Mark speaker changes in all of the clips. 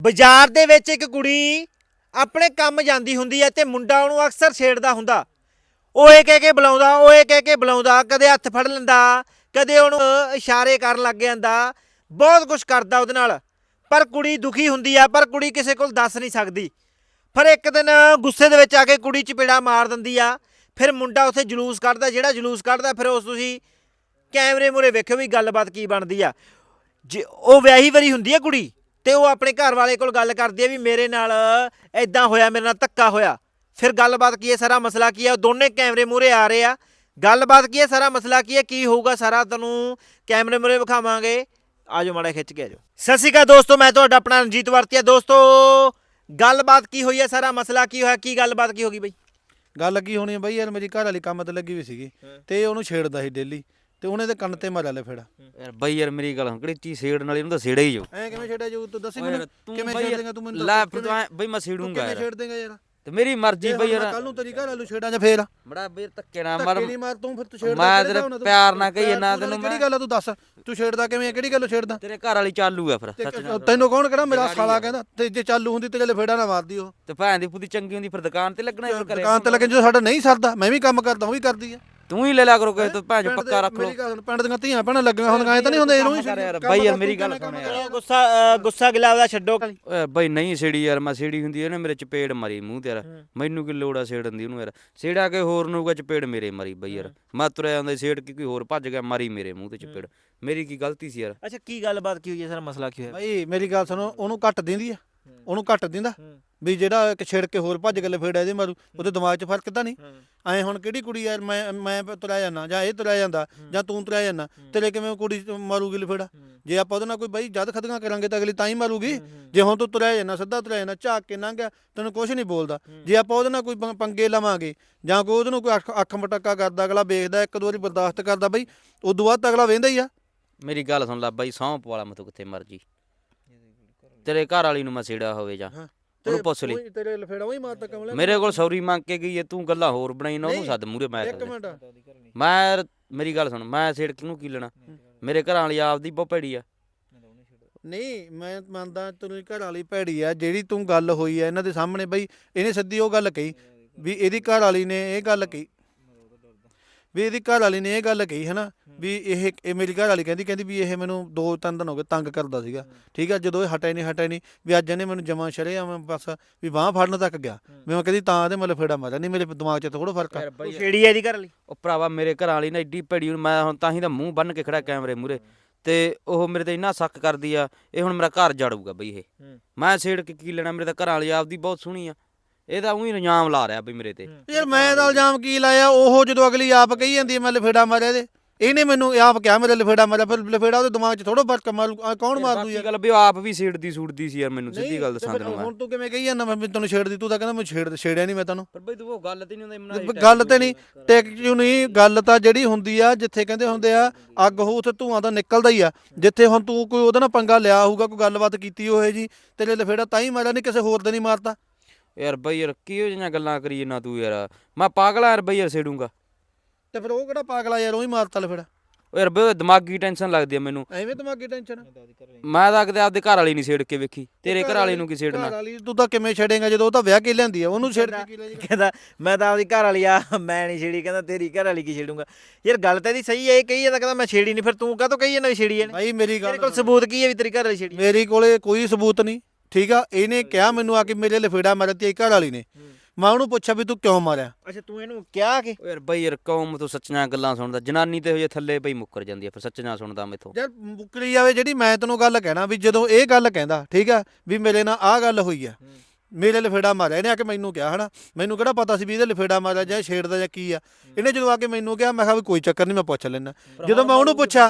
Speaker 1: ਬਾਜ਼ਾਰ ਦੇ ਵਿੱਚ ਇੱਕ ਕੁੜੀ ਆਪਣੇ ਕੰਮ ਜਾਂਦੀ ਹੁੰਦੀ ਹੈ ਤੇ ਮੁੰਡਾ ਉਹਨੂੰ ਅਕਸਰ ਛੇੜਦਾ ਹੁੰਦਾ। ਓਏ ਕਹਿ ਕੇ ਬੁਲਾਉਂਦਾ, ਓਏ ਕਹਿ ਕੇ ਬੁਲਾਉਂਦਾ, ਕਦੇ ਹੱਥ ਫੜ ਲੈਂਦਾ, ਕਦੇ ਉਹਨੂੰ ਇਸ਼ਾਰੇ ਕਰਨ ਲੱਗ ਜਾਂਦਾ, ਬਹੁਤ ਕੁਝ ਕਰਦਾ ਉਹਦੇ ਨਾਲ। ਪਰ ਕੁੜੀ ਦੁਖੀ ਹੁੰਦੀ ਆ, ਪਰ ਕੁੜੀ ਕਿਸੇ ਕੋਲ ਦੱਸ ਨਹੀਂ ਸਕਦੀ। ਫਿਰ ਇੱਕ ਦਿਨ ਗੁੱਸੇ ਦੇ ਵਿੱਚ ਆ ਕੇ ਕੁੜੀ ਚਪੇੜਾ ਮਾਰ ਦਿੰਦੀ ਆ। ਫਿਰ ਮੁੰਡਾ ਉੱਥੇ ਜਲੂਸ ਕੱਢਦਾ, ਜਿਹੜਾ ਜਲੂਸ ਕੱਢਦਾ ਫਿਰ ਉਸ ਤੁਸੀਂ ਕੈਮਰੇ ਮੂਹਰੇ ਵੇਖਿਓ ਵੀ ਗੱਲਬਾਤ ਕੀ ਬਣਦੀ ਆ। ਜੇ ਉਹ ਵਿਆਹੀ ਵਰੀ ਹੁੰਦੀ ਆ ਕੁੜੀ ਤੇ ਉਹ ਆਪਣੇ ਘਰ ਵਾਲੇ ਕੋਲ ਗੱਲ ਕਰਦੀ ਆ ਵੀ ਮੇਰੇ ਨਾਲ ਇਦਾਂ ਹੋਇਆ, ਮੇਰੇ ਨਾਲ ਧੱਕਾ ਹੋਇਆ। ਫਿਰ ਗੱਲਬਾਤ ਕੀ ਹੈ, ਸਾਰਾ ਮਸਲਾ ਕੀ ਹੈ, ਉਹ ਦੋਨੇ ਕੈਮਰੇ ਮੂਹਰੇ ਆ ਰਹੇ ਆ। ਗੱਲਬਾਤ ਕੀ ਹੈ, ਸਾਰਾ ਮਸਲਾ ਕੀ ਹੈ, ਕੀ ਹੋਊਗਾ ਸਾਰਾ ਤੁਹਾਨੂੰ ਕੈਮਰੇ ਮੂਹਰੇ ਵਿਖਾਵਾਂਗੇ। ਆਜੋ ਮਾੜਾ ਖਿੱਚ ਕੇ ਆਜੋ। ਸਤਿ ਸ਼੍ਰੀ ਅਕਾਲ ਦੋਸਤੋ, ਮੈਂ ਤੁਹਾਡਾ ਆਪਣਾ ਰਣਜੀਤ ਵਰਤੀਆ। ਦੋਸਤੋ ਗੱਲਬਾਤ ਕੀ ਹੋਈ ਹੈ, ਸਾਰਾ ਮਸਲਾ ਕੀ ਹੋਇਆ, ਕੀ ਗੱਲਬਾਤ ਕੀ ਹੋ ਗਈ ਬਈ?
Speaker 2: ਗੱਲ ਕੀ ਹੋਣੀ ਹੈ ਬਈ, ਯਾਰ ਮੇਰੀ ਘਰ ਵਾਲੀ ਕੰਮ ਤੇ ਲੱਗੀ ਵੀ ਸੀਗੀ ਤੇ ਉਹਨੂੰ ਛੇੜਦਾ ਸੀ ਡੇਲੀ ਤੇ ਉਹਨੇ ਤੇ ਕੰਨ ਤੇ ਮਾਰਿਆ ਲੈ ਫੇੜਾ।
Speaker 3: ਯਾਰ ਬਈ ਯਾਰ ਮੇਰੀ ਗੱਲ ਕਿਹੜੀ ਚੀਜ਼ ਛੇੜਨ ਵਾਲੀ, ਉਹਨੂੰ ਤਾਂ ਛੇੜਾ ਹੀ ਜੋ।
Speaker 2: ਐ ਕਿਵੇਂ ਛੇੜਿਆ ਜਾਊ ਤੂੰ ਦੱਸੀ
Speaker 3: ਓਏ
Speaker 2: ਮੈਨੂੰ,
Speaker 3: ਤੂੰ
Speaker 2: ਕਿਵੇਂ
Speaker 3: ਬਈ
Speaker 2: ਛੇੜ ਦੇਗਾ ਤੂੰ ਮੈਨੂੰ?
Speaker 3: ਲੈ ਫਿਰ ਤੂੰ ਬਈ ਮੈਂ ਛੇੜੂੰਗਾ
Speaker 2: ਕਿਵੇਂ
Speaker 3: ਯਾਰ,
Speaker 2: ਛੇੜ ਦੇਗਾ ਯਾਰ?
Speaker 3: ਤੇ ਮੇਰੀ ਮਰਜ਼ੀ ਬਈ ਯਾਰ।
Speaker 2: ਕੱਲ ਨੂੰ ਤੇਰੀ ਘਰ ਵਾਲੂ ਛੇੜਾਂ ਜਾਂ ਫੇਰ
Speaker 3: ਬੜਾ ਬਈ ਧੱਕੇ ਨਾ ਮਾਰ,
Speaker 2: ਧੱਕੇ ਨਹੀਂ ਮਾਰ ਤੂੰ, ਫਿਰ ਤੂੰ ਛੇੜਦਾ
Speaker 3: ਮੈਂ ਤੇਰੇ ਪਿਆਰ ਨਾਲ ਕਹੀ ਨਾ ਤੈਨੂੰ।
Speaker 2: ਕਿਹੜੀ ਗੱਲ ਆ ਤੂੰ ਦੱਸ, ਤੂੰ ਛੇੜਦਾ ਕਿਵੇਂ ਆ, ਕਿਹੜੀ ਗੱਲੋਂ ਛੇੜਦਾ?
Speaker 3: ਤੇਰੇ ਘਰ ਵਾਲੀ ਚਾਲੂ ਆ ਫਿਰ ਸੱਚ ਨਾਲ।
Speaker 2: ਤੈਨੂੰ ਕੌਣ ਕਹਿੰਦਾ ਮੇਰਾ ਸਾਲਾ ਕਹਿੰਦਾ? ਤੇ ਜੇ ਚਾਲੂ ਹੁੰਦੀ ਤੇਰੇ ਫੇੜਾ ਨਾ ਮਾਰਦੀ ਉਹ।
Speaker 3: ਤੇ ਭੈਣ ਦੀ ਪੁੱਤੀ ਚੰਗੀ ਹੁੰਦੀ ਫਿਰ ਦੁਕਾਨ ਤੇ ਲੱਗਣਾ ਫਿਰ ਕਰੇ।
Speaker 2: ਦੁਕਾਨ ਤੇ ਲੱਗੇ ਜਦੋਂ ਸਾਡਾ ਨਹੀਂ ਸਰਦਾ, ਮੈਂ ਵੀ ਕੰਮ ਕਰਦਾ, ਉਹ ਵੀ ਕਰਦੀ ਆ।
Speaker 3: ਤੂੰ ਹੀ ਲੈ ਲਿਆ ਕਰੋ ਕਿਸੇ ਤੋਂ, ਭੈਣ ਚ ਪੱਕਾ ਰੱਖ ਲੋ।
Speaker 2: ਮੇਰੀ ਗੱਲ ਪਿੰਡ ਦੀਆਂ ਧੀਆਂ ਭੈਣਾਂ ਲੱਗੀਆਂ ਹੁਣ ਗਾਏ ਤਾਂ ਨਹੀਂ ਹੁੰਦੇ ਇਹਨੂੰ
Speaker 3: ਯਾਰ ਬਈ ਯਾਰ ਮੇਰੀ ਗੱਲ ਸੁਣ ਯਾਰ।
Speaker 1: ਗੁੱਸਾ ਗਿਲਾ ਉਹਦਾ ਛੱਡੋ।
Speaker 3: ਓਏ ਬਈ ਨਹੀਂ ਛੇੜੀ ਯਾਰ, ਮੈਂ ਛੇੜੀ ਹੁੰਦੀ ਇਹਨੇ ਮੇਰੇ ਚਪੇੜ ਮਾਰੀ ਮੂੰਹ ਤੇ ਯਾਰ। ਮੈਨੂੰ ਕੀ ਲੋੜ ਆ ਛੇੜਨ ਦੀ ਉਹਨੂੰ ਯਾਰ? ਛੇੜਾ ਕੇ ਹੋਰ ਨੂੰ ਚਪੇੜ ਮੇਰੇ ਮਾਰੀ ਬਈ ਯਾਰ। ਮੈਂ ਤੁਰਿਆ ਜਾਂਦਾ ਛੇੜ ਕੇ ਕੋਈ ਹੋਰ ਭੱਜ ਗਿਆ, ਮਾਰੀ ਮੇਰੇ ਮੂੰਹ ਤੇ ਚਪੇੜ। ਮੇਰੀ ਕੀ ਗਲਤੀ ਸੀ ਯਾਰ?
Speaker 1: ਅੱਛਾ ਕੀ ਗੱਲਬਾਤ ਕੀ ਹੋਈ ਹੈ, ਸਾਰਾ ਮਸਲਾ ਕੀ ਹੋਇਆ?
Speaker 2: ਭਾਈ ਮੇਰੀ ਗੱਲ ਸੁਣੋ, ਉਹਨੂੰ ਘੱਟ ਦਿੰਦੀ ਆ, ਉਹਨੂੰ ਘੱਟ ਦਿੰਦਾ ਵੀ ਜਿਹੜਾ ਇੱਕ ਛੇੜ ਕੇ ਹੋਰ ਭੱਜ ਗਲੇ ਫੇੜਾ ਇਹਦੇ ਮਾਰੂ, ਉਹਦੇ ਦਿਮਾਗ 'ਚ ਫਰਕ ਤਾਂ ਨਹੀਂ। ਐ ਹੁਣ ਕਿਹੜੀ ਕੁੜੀ ਯਾਰ, ਮੈਂ ਤੁਰਿਆ ਜਾਂਦਾ ਜਾਂ ਇਹ ਤੁਰਿਆ ਜਾਂਦਾ ਜਾਂ ਤੂੰ ਤੁਰਿਆ ਜਾਂਦਾ, ਤੇਰੇ ਕਿਵੇਂ ਕੁੜੀ ਮਾਰੂਗੀ ਲਫੇੜਾ? ਜੇ ਆਪਾਂ ਉਹਦੇ ਨਾਲ ਕੋਈ ਬਾਈ ਜਦ ਖਤੀਆਂ ਕਰਾਂਗੇ ਤਾਂ ਅਗਲੀ ਤਾਂ ਹੀ ਮਾਰੂਗੀ। ਜੇ ਹੁਣ ਤੂੰ ਤੁਰਿਆ ਜਾਂਦਾ, ਸਿੱਧਾ ਤੁਰਿਆ ਜਾਂਦਾ, ਝਾਕ ਕੇ ਲੰਘ ਗਿਆ, ਤੈਨੂੰ ਕੁਛ ਨਹੀਂ ਬੋਲਦਾ। ਜੇ ਆਪਾਂ ਉਹਦੇ ਨਾਲ ਕੋਈ ਪੰਗੇ ਲਵਾਂਗੇ ਜਾਂ ਕੋਈ ਉਹਦੇ ਨੂੰ ਕੋਈ ਅੱਖ ਮਟੱਕਾ ਕਰਦਾ, ਅਗਲਾ ਵੇਖਦਾ, ਇੱਕ ਦੋ ਵਾਰੀ ਬਰਦਾਸ਼ਤ ਕਰਦਾ ਬਈ, ਉਦੋਂ ਬਾਅਦ ਤਾਂ ਅਗਲਾ ਵਹਿੰਦਾ ਹੀ ਆ।
Speaker 3: ਮੇਰੀ ਗੱਲ ਸੁਣ ਲੈ ਬਾਈ, ਸੌਂਪ ਵਾਲਾ ਮੈਂ ਤੂੰ ਕਿੱਥੇ ਮਰਜੀ ਤੇਰੇ ਘਰ ਵਾਲੀ ਨੂੰ ਮੈਂ ਛੇੜਿਆ ਹੋਵੇ ਜਾਂ ਉਹਨੂੰ ਪੁੱਛ ਲਈ।
Speaker 2: ਤੇਰੇ ਲਫੇੜਾ ਉਹੀ ਮਾਰਦਾ ਕਮਲੇ।
Speaker 3: ਮੇਰੇ ਕੋਲ ਸੌਰੀ ਮੰਗ ਕੇ ਗਈ ਹੈ, ਤੂੰ ਗੱਲਾਂ ਹੋਰ ਬਣਾਈ ਨਾ, ਉਹਨੂੰ ਸੱਦ ਮੂਰੇ। ਮੈਂ
Speaker 2: ਇੱਕ ਮਿੰਟ,
Speaker 3: ਮੈਂ ਮੇਰੀ ਗੱਲ ਸੁਣ, ਮੈਂ ਛੇੜ ਕਿਹਨੂੰ ਕੀ ਲੈਣਾ? ਮੇਰੇ ਘਰਾਂ ਵਾਲੀ ਆਪਦੀ ਬਹੁਤ ਭੈੜੀ ਆ।
Speaker 2: ਨਹੀਂ ਮੈਂ ਮੰਨਦਾ ਤੇਰੀ ਘਰ ਵਾਲੀ ਭੈੜੀ ਆ, ਜਿਹੜੀ ਤੂੰ ਗੱਲ ਹੋਈ ਆ ਇਹਨਾਂ ਦੇ ਸਾਹਮਣੇ ਬਈ, ਇਹਨੇ ਸਿੱਧੀ ਉਹ ਗੱਲ ਕਹੀ ਵੀ ਇਹਦੀ ਘਰ ਵਾਲੀ ਨੇ ਇਹ ਗੱਲ ਕਹੀ, ਵੀ ਇਹਦੀ ਘਰ ਵਾਲੀ ਨੇ ਇਹ ਗੱਲ ਕਹੀ ਹੈ ਨਾ, ਵੀ ਇਹ ਮੇਰੀ ਘਰ ਵਾਲੀ ਕਹਿੰਦੀ ਵੀ ਇਹ ਮੈਨੂੰ 2-3 ਦਿਨ ਹੋ ਗਏ ਤੰਗ ਕਰਦਾ ਸੀਗਾ। ਠੀਕ ਆ, ਜਦੋਂ ਇਹ ਹਟਿਆ ਨਹੀਂ ਵੀ ਅੱਜ ਇਹਨੇ ਮੈਨੂੰ ਜਮਾਂ ਸ਼ਰਿਆ ਮੈਂ ਬਸ ਵੀ ਬਾਂਹ ਫੜਨ ਤੱਕ ਗਿਆ। ਮੈਂ ਕਹਿੰਦੀ ਤਾਂ ਇਹਦੇ ਮਤਲਬ ਫੇੜਾ ਮਾਰਿਆ, ਨਹੀਂ ਮੇਰੇ ਦਿਮਾਗ 'ਚ ਥੋੜਾ ਫਰਕ ਆ।
Speaker 1: ਛੇੜੀ ਹੈ ਇਹਦੀ ਘਰ ਵਾਲੀ?
Speaker 3: ਉਹ ਭਰਾਵਾ ਮੇਰੇ ਘਰਾਂ ਵਾਲੀ ਨਾ ਐਡੀ ਭੈੜੀ, ਮੈਂ ਹੁਣ ਤਾਂ ਹੀ ਤਾਂ ਮੂੰਹ ਬੰਨ ਕੇ ਖੜਾ ਕੈਮਰੇ ਮੂਰੇ, ਤੇ ਉਹ ਮੇਰੇ ਤੇ ਇੰਨਾ ਸ਼ੱਕ ਕਰਦੀ ਆ, ਇਹ ਹੁਣ ਮੇਰਾ ਘਰ ਜਾੜੂਗਾ ਬਈ। ਇਹ ਮੈਂ ਛੇੜ ਕੇ ਕੀ ਲੈਣਾ? ਮੇਰੇ ਤਾਂ ਘਰਾਂ ਵਾਲੀ ਆਪਦੀ ਬਹੁਤ ਸੋਹਣੀ ਆ, ਇਹ ਤਾਂ ਉਹੀ ਇਲਜ਼ਾਮ ਲਾ ਰਿਹਾ ਬਈ ਮੇਰੇ ਤੇ।
Speaker 2: ਯਾਰ ਮੈਂ ਤਾਂ ਇਲਜ਼ਾਮ ਕੀ ਲਾਇਆ? ਉਹ ਜਦੋਂ ਅਗਲੀ ਆਪ ਕਹੀ ਜਾਂਦੀ ਮੈਂ ਲਫੇੜਾ ਮਾਰਿਆ ਇਹਦੇ, ਇਹਨੇ ਮੈਨੂੰ ਆਪ ਕਿਹਾ ਮੇਰੇ ਲਫੇੜਾ ਮਾਰਿਆ, ਫਿਰ ਲਫੇੜਾ ਉਹਦੇ ਦਿਮਾਗ 'ਚ ਥੋੜਾ ਫਰਕ ਮਾਰੂ, ਕੌਣ ਮਾਰ ਦੂ ਯਾਰ?
Speaker 3: ਗੱਲ ਵੀ ਉਹ ਆਪ ਵੀ ਛੇੜਦੀ ਸੂੜਦੀ ਸੀ ਯਾਰ, ਮੈਨੂੰ ਸਿੱਧੀ ਗੱਲ ਦੱਸਾਂ ਤੈਨੂੰ ਮੈਂ।
Speaker 2: ਹੁਣ ਤੂੰ ਕਿਵੇਂ ਕਹੀ ਜਾਂਦਾ ਮੈਂ ਤੈਨੂੰ ਛੇੜਦੀ? ਤੂੰ ਤਾਂ ਕਹਿੰਦਾ ਮੈਂ ਛੇੜਿਆ ਨਹੀਂ ਮੈਂ ਤੈਨੂੰ।
Speaker 3: ਪਰ ਬਈ ਤੂੰ ਉਹ ਗੱਲ ਤੇ ਨਹੀਂ ਹੁੰਦਾ,
Speaker 2: ਗੱਲ ਤੇ ਨਹੀਂ ਟਿਕ ਕਿਉਂ ਨਹੀਂ? ਗੱਲ ਤਾਂ ਜਿਹੜੀ ਹੁੰਦੀ ਆ, ਜਿੱਥੇ ਕਹਿੰਦੇ ਹੁੰਦੇ ਆ ਅੱਗ ਹੋ ਉੱਥੇ ਧੂਆਂ ਤਾਂ ਨਿਕਲਦਾ ਹੀ ਆ। ਜਿੱਥੇ ਹੁਣ ਤੂੰ ਕੋਈ ਉਹਦੇ ਨਾਲ ਪੰਗਾ ਲਿਆ ਹੋਊਗਾ, ਕੋਈ ਗੱਲਬਾਤ ਕੀਤੀ ਹੋਏ ਜੀ, ਤੇਰੇ ਲਫੇੜਾ ਤਾਂ ਹੀ ਮਾਰਿਆ, ਨਹੀਂ ਕਿਸੇ ਹੋਰ ਦੇ ਨਹੀਂ ਮਾਰਤਾ।
Speaker 3: ਯਾਰ ਬਈ ਯਾਰ ਕਿਹੋ ਜਿਹੀਆਂ ਗੱਲਾਂ ਕਰੀ ਨਾ ਤੂੰ ਯਾਰ? ਮੈਂ ਪਾਗਲ ਆ ਯਾਰ ਬਈ, ਯਾਰ ਛੇੜੂੰਗਾ
Speaker 2: ਤੇ ਫਿਰ ਉਹ ਕਿਹੜਾ ਪਾਗਲਾ ਯਾਰ, ਉਹ ਹੀ ਮਾਰਤਾ ਲਫੇੜਾ।
Speaker 3: ਓ ਯਾਰ ਬਈ ਦਿਮਾਗੀ ਟੈਨਸ਼ਨ ਲੱਗਦੀ ਆ ਮੈਨੂੰ।
Speaker 2: ਐਵੇਂ ਦਿਮਾਗੀ ਟੈਨਸ਼ਨ?
Speaker 3: ਮੈਂ ਤਾਂ ਕਿਤੇ ਆਪਦੇ ਘਰ ਵਾਲੀ ਨਹੀਂ ਛੇੜ ਕੇ ਵੇਖੀ, ਤੇਰੇ ਘਰ ਵਾਲੀ ਨੂੰ ਕੀ ਛੇੜਨਾ?
Speaker 2: ਘਰ ਵਾਲੀ ਤੂੰ ਤਾਂ ਕਿਵੇਂ ਛੇੜੇਗਾ ਜਦੋਂ ਉਹ ਤਾਂ ਵਿਆਹ ਕੇ ਲਿਆਂਦੀ ਆ, ਉਹਨੂੰ ਛੇੜ ਕੇ ਕੀ ਲੈ ਜਾਏਗਾ?
Speaker 1: ਕਹਿੰਦਾ ਮੈਂ ਤਾਂ ਆਪਦੀ ਘਰ ਵਾਲੀ ਆ, ਮੈਂ ਨਹੀਂ ਛੇੜੀ। ਕਹਿੰਦਾ ਤੇਰੀ ਘਰ ਵਾਲੀ ਕੀ ਛੇੜੂਗਾ? ਯਾਰ ਗੱਲ ਤਾਂ ਇਹਦੀ ਸਹੀ ਹੈ, ਇਹ ਕਹੀ ਜਾਂਦਾ ਕਹਿੰਦਾ ਮੈਂ ਛੇੜੀ ਨਹੀਂ, ਫਿਰ ਤੂੰ ਕਾਹਤੋਂ ਕਹੀ ਜਾਂਦਾ ਵੀ ਛੇੜੀ ਇਹਨੇ?
Speaker 2: ਭਾਈ ਮੇਰੀ
Speaker 1: ਤੇਰੇ
Speaker 2: ਗੱਲ
Speaker 1: ਕੋਲ ਸਬੂਤ ਕੀ ਹੈ ਵੀ ਤੇਰੀ ਘਰ ਵਾਲੀ ਛੇੜੀ?
Speaker 2: ਮੇਰੇ ਕੋਲੇ ਕੋਈ ਸਬੂਤ ਨਹੀਂ। ਠੀਕ ਆ, ਇਹਨੇ ਕਿਹਾ ਮੈਨੂੰ ਆ ਕੇ ਮੇਰੇ ਲਫੇੜਾ ਮਾਰਿਆ ਤੇ ਘਰ ਵਾਲੀ ਨੇ। ਮੈਂ ਉਹਨੂੰ ਪੁੱਛਿਆ ਵੀ ਤੂੰ ਕਿਉਂ ਮਾਰਿਆ?
Speaker 1: ਅੱਛਾ ਤੂੰ ਇਹਨੂੰ ਕਿਹਾ ਕਿ?
Speaker 3: ਓ ਯਾਰ ਬਈ ਯਾਰ ਕੌਮ ਤੋਂ ਸੱਚੀਆਂ ਗੱਲਾਂ ਸੁਣਦਾ, ਜਨਾਨੀ ਤੇ ਹੋਏ ਥੱਲੇ ਬਈ ਮੁੱਕਰ ਜਾਂਦੀ ਆ, ਫਿਰ ਸੱਚੀਆਂ ਸੁਣਦਾ ਮੈਥੋਂ।
Speaker 2: ਯਾਰ ਮੁੱਕਰੀ ਜਾਵੇ ਜਿਹੜੀ, ਮੈਂ ਤੈਨੂੰ ਗੱਲ ਕਹਿਣਾ ਵੀ ਜਦੋਂ ਇਹ ਗੱਲ ਕਹਿੰਦਾ ਠੀਕ ਆ ਵੀ ਮੇਰੇ ਨਾਲ ਆਹ ਗੱਲ ਹੋਈ ਆ, ਮੇਰੇ ਲਫੇੜਾ ਮਾਰਿਆ, ਇਹਨੇ ਆ ਕੇ ਮੈਨੂੰ ਕਿਹਾ ਹਨਾ, ਮੈਨੂੰ ਕਿਹੜਾ ਪਤਾ ਸੀ ਵੀ ਇਹਦੇ ਲਫੇੜਾ ਮਾਰਿਆ ਜਾਂ ਛੇੜਦਾ ਜਾਂ ਕੀ ਆ। ਇਹਨੇ ਜਦੋਂ ਆ ਕੇ ਮੈਨੂੰ ਕਿਹਾ, ਮੈਂ ਕਿਹਾ ਵੀ ਕੋਈ ਚੱਕਰ ਨਹੀਂ, ਮੈਂ ਪੁੱਛ ਲੈਣਾ। ਜਦੋਂ ਮੈਂ ਉਹਨੂੰ ਪੁੱਛਿਆ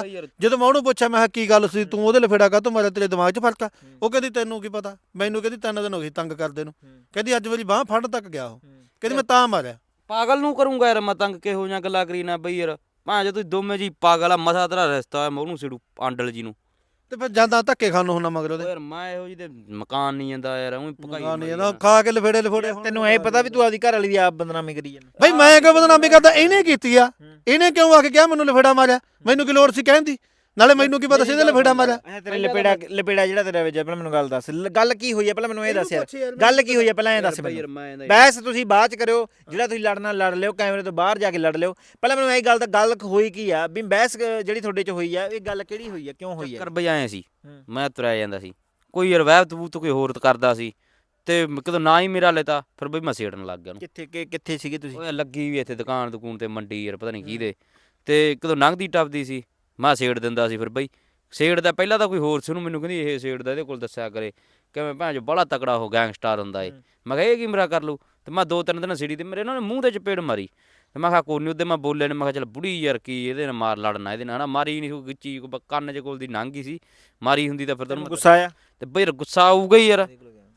Speaker 2: ਮੈਂ ਕਿਹਾ ਕੀ ਗੱਲ ਸੀ, ਤੂੰ ਉਹਦੇ ਲਫੇੜਾ ਕਾਹਤੋਂ ਮਾਰਿਆ, ਤੇਰੇ ਦਿਮਾਗ 'ਚ ਫਰਕ ਆ? ਉਹ ਕਹਿੰਦੀ ਤੈਨੂੰ ਕੀ ਪਤਾ? ਮੈਨੂੰ ਕਹਿੰਦੀ 3 ਦਿਨ ਹੋ ਗਏ ਤੰਗ ਕਰਦੇ ਨੂੰ, ਕਹਿੰਦੀ ਅੱਜ ਵਾਰੀ ਬਾਂਹ ਫੜਨ ਤੱਕ ਗਿਆ ਉਹ, ਕਹਿੰਦੀ ਮੈਂ ਤਾਂ ਮਾਰਿਆ।
Speaker 3: ਪਾਗਲ ਨੂੰ ਕਰੂੰਗਾ ਯਾਰ ਮੈਂ ਤੰਗ, ਕਿਹੋ ਜਿਹੀਆਂ ਗੱਲਾਂ ਕਰੀ ਨਾ ਬਈ ਯਾਰ। ਭਾਂ ਜੇ ਤੁਸੀਂ ਦੋਵੇਂ ਜੀ ਪਾਗਲ ਆ, ਮਸਾ ਤੇਰਾ ਰਿਸ਼ਤਾ ਹੋਇਆ, ਮੈਂ ਉਹਨੂੰ ਛੇੜੂ ਆਂਡਲ ਜੀ ਨੂੰ।
Speaker 2: ਤੇ ਫਿਰ ਜਾਂਦਾ ਧੱਕੇ ਖਾਣ ਨੂੰ ਹੁੰਦਾ ਮਗਰ ਉਹਦੇ।
Speaker 3: ਯਾਰ ਮੈਂ ਇਹੋ ਜਿਹੀ ਤੇ ਮਕਾਨ ਨਹੀਂ ਜਾਂਦਾ ਯਾਰ, ਉਹੀ ਭਕਾਈ
Speaker 2: ਨਹੀਂ ਜਾਂਦਾ ਖਾ ਕੇ ਲਫੇੜੇ
Speaker 1: ਤੈਨੂੰ ਇਹ ਪਤਾ ਵੀ ਤੂੰ ਆਪਦੀ ਘਰ ਵਾਲੀ ਦੀ ਆਪ ਬਦਨਾਮੀ ਕਰੀ ਜਾਂਦਾ?
Speaker 2: ਬਈ ਮੈਂ ਕਿਉਂ ਬਦਨਾਮੀ ਕਰਦਾ? ਇਹਨੇ ਕੀਤੀ ਆ, ਇਹਨੇ ਕਿਉਂ ਆ ਕੇ ਕਿਹਾ ਮੈਨੂੰ ਲਫੇੜਾ ਮਾਰਿਆ? ਮੈਨੂੰ ਕੀ ਲੋੜ ਸੀ ਕਹਿਣ ਦੀ? ਨਾਲੇ ਮੈਨੂੰ ਕੀ ਪਤਾ ਸੀ ਇਹਦੇ ਲਫੇੜਾ ਮਾਰਿਆ।
Speaker 1: ਅੱਛਾ ਤੇਰੇ ਲਪੇੜਾ ਜਿਹੜਾ ਤੇਰਾ ਵਿੱਚ ਪਹਿਲਾਂ ਮੈਨੂੰ ਗੱਲ ਦੱਸ ਗੱਲ ਕੀ ਹੋਈ ਹੈ ਪਹਿਲਾਂ ਮੈਨੂੰ ਇਹ ਦੱਸ ਯਾਰ ਗੱਲ ਕੀ ਹੋਈ ਹੈ ਪਹਿਲਾਂ ਇਹ ਦੱਸ ਮੈਨੂੰ ਬਹਿਸ ਤੁਸੀਂ ਬਾਅਦ ਚ ਕਰਿਓ ਜਿਹੜਾ ਤੁਸੀਂ ਲੜਨਾ ਲੜ ਲਿਓ ਕੈਮਰੇ ਤੋਂ ਬਾਹਰ ਜਾ ਕੇ ਲੜ ਲਿਓ ਪਹਿਲਾਂ ਮੈਨੂੰ ਇਹ ਗੱਲ ਹੋਈ ਕੀ ਆ ਵੀ ਬਹਿਸ ਜਿਹੜੀ ਤੁਹਾਡੇ ਚ ਹੋਈ ਆ ਇਹ ਗੱਲ ਕਿਹੜੀ ਹੋਈ ਆ ਕਿਉਂ ਹੋਈ ਆ
Speaker 3: ਕਰ ਬਈ ਆਏ ਸੀ ਮੈਂ ਤੁਰਿਆ ਜਾਂਦਾ ਸੀ ਕੋਈ ਯਾਰ ਵਹਿਬ ਤਬੂਤ ਕੋਈ ਹੋਰ ਕਰਦਾ ਸੀ ਤੇ ਕਦੋਂ ਨਾ ਹੀ ਮੇਰਾ ਲੈਤਾ ਫਿਰ ਬਈ ਮੈਂ ਸੇੜਨ ਲੱਗ ਗਿਆ ਉਹਨੂੰ।
Speaker 1: ਕਿੱਥੇ ਸੀਗੇ ਤੁਸੀਂ
Speaker 3: ਉਹ ਲੱਗੀ ਵੀ ਇੱਥੇ ਦੁਕਾਨ ਤੇ ਮੰਡੀ ਯਾਰ ਪਤਾ ਨਹੀਂ ਕਿਹਦੇ ਤੇ ਕਦੋਂ ਲੰਘਦੀ ਟੱਪਦੀ ਸੀ ਮੈਂ ਸੇੜ ਦਿੰਦਾ ਸੀ ਫਿਰ ਬਈ ਸੇੜ ਦਾ ਪਹਿਲਾਂ ਤਾਂ ਕੋਈ ਹੋਰ ਸੀ ਉਹਨੂੰ ਮੈਨੂੰ ਕਹਿੰਦੀ ਇਹ ਸੇੜ ਦਾ ਇਹਦੇ ਕੋਲ ਦੱਸਿਆ ਕਰੇ ਕਿਵੇਂ ਭੈਣ ਜੋ ਬੜਾ ਤਕੜਾ ਉਹ ਗੈਂਗਸਟਰ ਹੁੰਦਾ ਏ ਮੈਂ ਕਿਹਾ ਇਹ ਕੀ ਮੇਰਾ ਕਰ ਲੂ ਤੇ ਮੈਂ 2-3 ਦਿਨ ਸਿੜੀ ਤੇ ਮੇਰੇ ਇਹਨਾਂ ਨੇ ਮੂੰਹ ਤੇ ਚਪੇੜ ਮਾਰੀ ਤੇ ਮੈਂ ਕਿਹਾ ਕੋਈ ਨਹੀਂ ਉਹਦੇ ਮੈਂ ਬੋਲਿਆ ਨੇ ਮੈਂ ਕਿਹਾ ਚੱਲ ਬੁੜੀ ਯਾਰ ਕੀ ਇਹਦੇ ਨਾਲ ਮਾਰ ਲੜਨਾ ਇਹਦੇ ਨਾਲ ਹਨਾ ਮਾਰੀ ਨਹੀਂ ਕੋਈ ਗਿੱਚੀ ਕੰਨ 'ਚ ਕੋਲ ਦੀ ਲੰਘ ਗਈ ਸੀ ਮਾਰੀ ਹੁੰਦੀ ਤਾਂ ਫਿਰ ਤੈਨੂੰ
Speaker 1: ਗੁੱਸਾ ਆਇਆ
Speaker 3: ਤੇ ਬਈ ਗੁੱਸਾ ਆਊਗਾ ਹੀ ਯਾਰ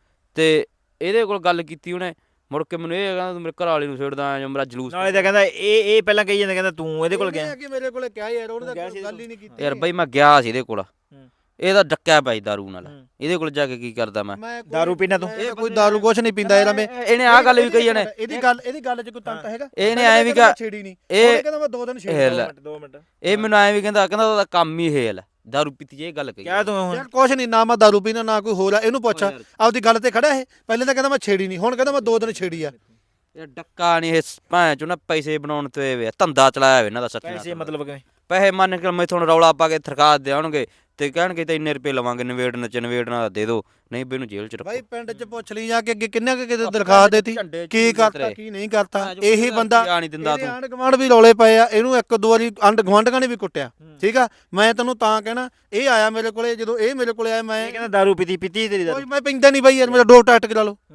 Speaker 3: ਤੇ ਇਹਦੇ ਕੋਲ ਗੱਲ ਕੀਤੀ ਉਹਨੇ ਮੁੜ ਕੇ ਮੈਨੂੰ ਇਹ ਕਹਿੰਦਾ ਤੂੰ ਮੇਰੇ ਘਰ ਵਾਲੀ ਨੂੰ ਛੇੜਦਾ ਜਾਂ ਮੇਰਾ ਜਲੂਸ
Speaker 1: ਨਾਲੇ ਤਾਂ ਕਹਿੰਦਾ ਇਹ ਪਹਿਲਾਂ ਕਹੀ ਜਾਂਦਾ ਕਹਿੰਦਾ ਤੂੰ ਇਹਦੇ ਕੋਲ ਗਿਆ
Speaker 2: ਕਿ ਮੇਰੇ ਕੋਲੇ ਕਿਹਾ ਯਾਰ ਉਹਨੇ ਤਾਂ ਗੱਲ ਹੀ ਨਹੀਂ ਕੀਤੀ
Speaker 3: ਯਾਰ ਬਈ ਮੈਂ ਗਿਆ ਸੀ ਇਹਦੇ ਕੋਲ ਇਹਦਾ ਡੱਕਿਆ ਪਈ ਦਾਰੂ ਨਾਲ ਇਹਦੇ ਕੋਲ ਜਾ ਕੇ ਕੀ ਕਰਦਾ ਮੈਂ
Speaker 1: ਦਾਰੂ ਪੀਣਾ ਤੂੰ
Speaker 2: ਇਹ ਕੋਈ ਦਾਰੂ ਕੁਛ ਨਹੀਂ ਪੀਂਦਾ ਯਾਰ ਮੈਂ
Speaker 3: ਇਹਨੇ ਆਹ ਗੱਲ ਵੀ ਕਹੀ ਜਾਣੇ
Speaker 2: ਇਹਦੀ ਗੱਲ 'ਚ ਕੋਈ ਤੰਤ ਹੈਗਾ
Speaker 3: ਇਹਨੇ ਐ ਵੀ ਕਿਹਾ
Speaker 2: ਛੇੜੀ ਨਹੀਂ
Speaker 3: ਇਹ
Speaker 2: ਕਹਿੰਦਾ ਮੈਂ 2 ਦਿਨ ਛੇੜੀ
Speaker 1: 2 ਮਿੰਟ
Speaker 3: ਇਹ ਮੈਨੂੰ ਐ ਵੀ ਕਹਿੰਦਾ ਉਹਦਾ ਕੰਮ ਹੀ ਇਹ ਹੈ ਦਾਰੂ ਪੀਤੀ ਜੇ ਇਹ ਗੱਲ ਕਹੀ
Speaker 1: ਕਿਆ ਤੂੰ ਹੁਣ
Speaker 2: ਯਾਰ ਕੁਛ ਨਹੀਂ ਨਾ ਮੈਂ ਦਾਰੂ ਪੀਣਾ ਨਾ ਕੋਈ ਹੋਰ ਆ ਇਹਨੂੰ ਪੁੱਛ ਆਪਦੀ ਗੱਲ ਤੇ ਖੜਾ ਇਹ ਪਹਿਲੇ ਤਾਂ ਕਹਿੰਦਾ ਮੈਂ ਛੇੜੀ ਨਹੀਂ ਹੁਣ ਕਹਿੰਦਾ ਮੈਂ 2 ਦਿਨ ਛੇੜੀ ਆ
Speaker 3: ਯਾਰ ਡੱਕਾ ਨਹੀਂ ਇਹ ਭਾਂ ਚੋਂ ਨਾ ਪੈਸੇ ਬਣਾਉਣ ਤੇ ਵੇ ਧੰਦਾ ਚਲਾਇਆ ਵੇ ਇਹਨਾਂ ਦਾ ਸੱਚੀ
Speaker 1: ਪੈਸੇ ਮਤਲਬ ਕਿਵੇਂ
Speaker 3: ਪੈਸੇ ਮੰਨ ਕੇ ਮੈਂ ਤੁਹਾਨੂੰ ਰੌਲਾ ਪਾ ਕੇ ਥਰਕਾ ਦੇਣਗੇ ਤੇ ਕਹਿਣਗੇ ਤੇ ਇੰਨੇ ਰੁਪਏ ਲਵਾਂਗੇ ਨਵੇੜਨਾ ਦੇ ਦੋ ਨਹੀਂ ਬਈ ਇਹਨੂੰ ਜੇਲ੍ਹ ਚ ਰੱਖੋ
Speaker 2: ਭਾਈ ਪਿੰਡ 'ਚ ਪੁੱਛ ਲਈ ਜਾ ਕੇ ਅੱਗੇ ਕਿੰਨੇ ਕਿਤੇ ਦਰਖਾਸਤ ਦੇਤੀ ਕੀ ਕਰਤਾ ਕੀ ਨਹੀਂ ਕਰਤਾ ਇਹੀ ਬੰਦਾ
Speaker 3: ਨਹੀਂ ਦਿੰਦਾ ਤੂੰ
Speaker 2: ਆਂਢ ਗੁਆਂਢ ਵੀ ਰੌਲੇ ਪਏ ਆ ਇਹਨੂੰ 1-2 ਵਾਰੀ ਆਂਢ ਗੁਆਂਢਾਂ ਨੇ ਵੀ ਕੁੱਟਿਆ ਠੀਕ ਆ ਮੈਂ ਤੈਨੂੰ ਤਾਂ ਕਹਿਣਾ ਇਹ ਆਇਆ ਮੇਰੇ ਕੋਲੇ ਜਦੋਂ ਇਹ ਮੇਰੇ ਕੋਲੇ ਆਇਆ ਮੈਂ
Speaker 1: ਕਹਿੰਦਾ ਦਾਰੂ ਪੀਤੀ ਤੇਰੀ ਦਾਰੂ
Speaker 2: ਕੋਈ ਮੈਂ ਪੀਂਦਾ ਨਹੀਂ ਬਾਈ ਯਾਰ ਮੇਰਾ ਡੋਪ ਟੱਟ ਕਰਾ ਲਓ